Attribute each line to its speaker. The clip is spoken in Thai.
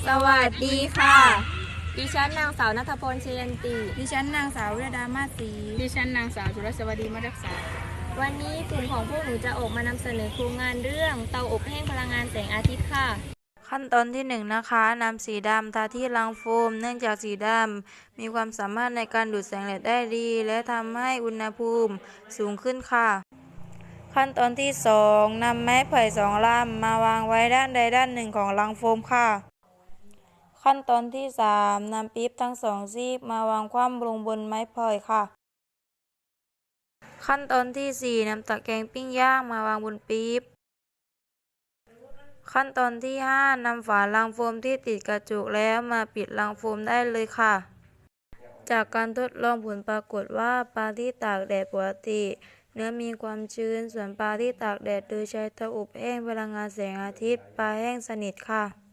Speaker 1: สวัสดีค่ะ
Speaker 2: ดิฉันนางสาวณัฐพลเชยันติ
Speaker 1: ดิฉันนางสาววิรดามาศรี
Speaker 3: ดิฉันนางสาวจุลสวัสดีมารักษา
Speaker 2: วันนี้กลุ่มของพวกหนูจะออกมานำเสนอโครงงานเรื่องเตาอบแห้งพลังงานแสงอาทิตย์ค่ะ
Speaker 4: ขั้นตอนที่1นะคะนำสีดำทาที่รังโฟมเนื่องจากสีดำมีความสามารถในการดูดแสงแดดได้ดีและทำให้อุณหภูมิสูงขึ้นค่ะขั้นตอนที่2นำไม้ไผ่2ลำมาวางไว้ด้านใดด้านหนึ่งของรังโฟมค่ะขั้นตอนที่3นำปี๊บทั้ง2ซีกมาวางคว่ำลงบนไม้ไผ่ค่ะขั้นตอนที่4นำตะแกรงปิ้งย่างมาวางบนปี๊บขั้นตอนที่5นำฝารังโฟมที่ติดกระจุกแล้วมาปิดรังโฟมได้เลยค่ะจากการทดลองผลปรากฏว่าปลาที่ตากแดดปกติเนื้อมีความชื้นส่วนปลาที่ตากแดดโดยใช้เตาอบแห้งพลังงานแสงอาทิตย์ปลาแห้งสนิทค่ะ